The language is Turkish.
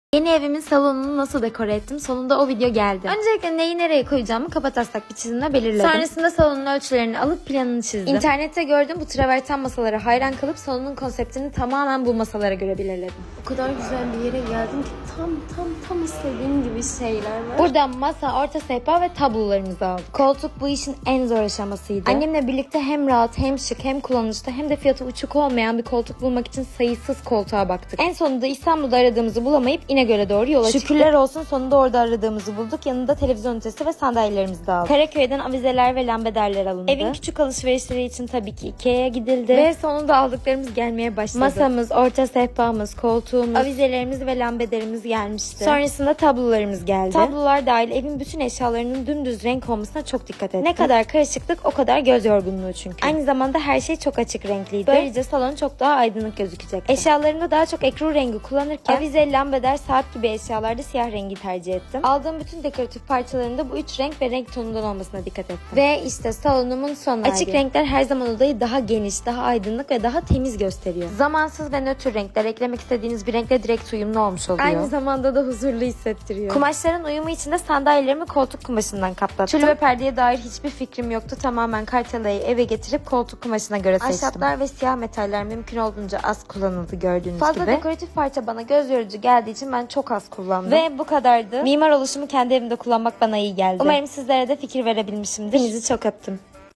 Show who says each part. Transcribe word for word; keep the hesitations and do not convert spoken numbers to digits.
Speaker 1: Yeni evimin salonunu nasıl dekore ettim? Sonunda o video geldi. Öncelikle neyi nereye koyacağımı kabataslak bir çizimle belirledim. Sonrasında salonun ölçülerini alıp planını çizdim. İnternette gördüğüm bu traverten masalara hayran kalıp salonun konseptini tamamen bu masalara göre belirledim.
Speaker 2: O kadar güzel bir yere geldim ki tam tam tam istediğim gibi şeyler var.
Speaker 1: Buradan masa, orta sehpa ve tablolarımızı aldık. Koltuk bu işin en zor aşamasıydı. Annemle birlikte hem rahat hem şık hem kullanışlı hem de fiyatı uçuk olmayan bir koltuk bulmak için sayısız koltuğa baktık. En sonunda İstanbul'da aradığımızı bulamayıp İnegöl'e doğru yola çıktık. Şükürler olsun sonunda orada aradığımızı bulduk. Yanında televizyon ünitesi ve sandalyelerimizi de aldık. Karaköy'den avizeler ve lambaderler alındı. Evin küçük alışverişleri için tabii ki Ikea'ya gidildi. Ve sonunda aldıklarımız gelmeye başladı. Masamız, orta sehpamız, koltuğumuz, avizelerimiz ve lambaderimiz gelmişti. Sonrasında tablolarımız geldi. Tablolar dahil evin bütün eşyalarının dümdüz renk olmasına çok dikkat ettim. Ne kadar karışıklık o kadar göz yorgunluğu çünkü. Aynı zamanda her şey çok açık renkliydi. Böylece salon çok daha aydınlık gözükecek. Eşyalarımda daha çok ekru rengi kullanırken avize, lambader, saat gibi eşyalarda siyah rengi tercih ettim. Aldığım bütün dekoratif parçalarında bu üç renk ve renk tonundan olmasına dikkat ettim. Ve işte salonumun son hali. Açık renkler her zaman odayı daha geniş, daha aydınlık ve daha temiz gösteriyor. Zamansız ve nötr renkler eklemek istediğiniz bir renkle direkt uyumlu olmuş oluyor. Aynı zamanda da huzurlu hissettiriyor. Kumaşların uyumu için de sandalyelerimi koltuk kumaşından kaplattım. Tül ve perdeye dair hiçbir fikrim yoktu. Tamamen kartelayı eve getirip koltuk kumaşına göre seçtim. Ahşaplar ve siyah metaller mümkün olduğunca az kullanıldı gördüğünüz Fazla gibi. Fazla dekoratif parça bana göz yorucu geldiği için ben çok az kullandım. Ve bu kadardı. Mimar oluşumu kendi evimde kullanmak bana iyi geldi. Umarım sizlere de fikir verebilmişimdir. Hepinizi çok öptüm.